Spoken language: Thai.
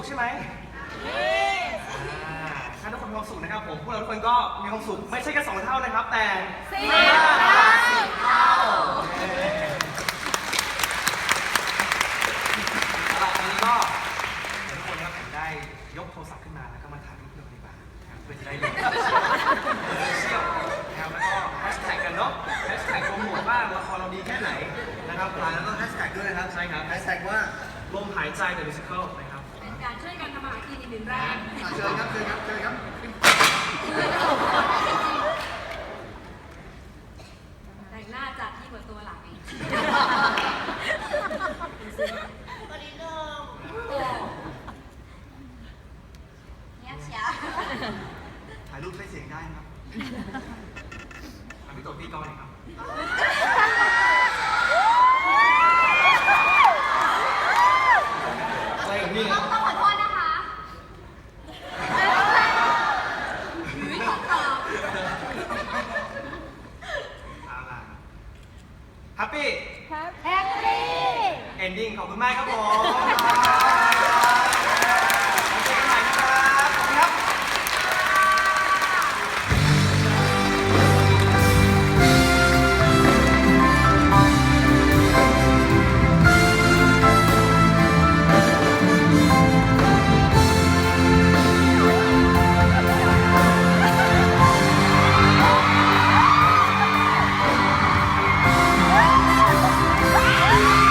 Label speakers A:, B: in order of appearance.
A: ใช่ไหมถ้าทุกคนมีความสุขนะครับผมพวกเราทุกคนก็มีความสุขไม่ใช่แค่2 เท่านะครับแต่10 เท่าสำหรับวันนี้ก็เดี๋ยวทุกคนครับผมได้ยกโทรศัพท์ขึ้นมาแล้วก็มาถ่ายรูปเพื่อนดีกว่าเพื่อจะได้ลงโซเชียลนะครับแล้วก็แฮชแท็กกันเนาะแฮชแท็กโปรโมทว่าละครเราดีแค่ไหนนะครับแล้วก็แฮชแท็กด้วยนะครับใช่ครับแฮชแท็กว่าลมหายใจ The Musical นะครับ
B: เป็นการช่วยกันทำอาหารกินอีกหนึ่งแรง
A: เชิญครับเชิญครับเชิญครับ
B: แต่งหน้าจัดที่กว่าตัวหลังอีก
C: วันนี้นึง
B: โอ้เงียบเชียว
A: ถ่ายรูปใช้เสียงได้ครับพี่ตัวพี่ก้อนหน่อยครับ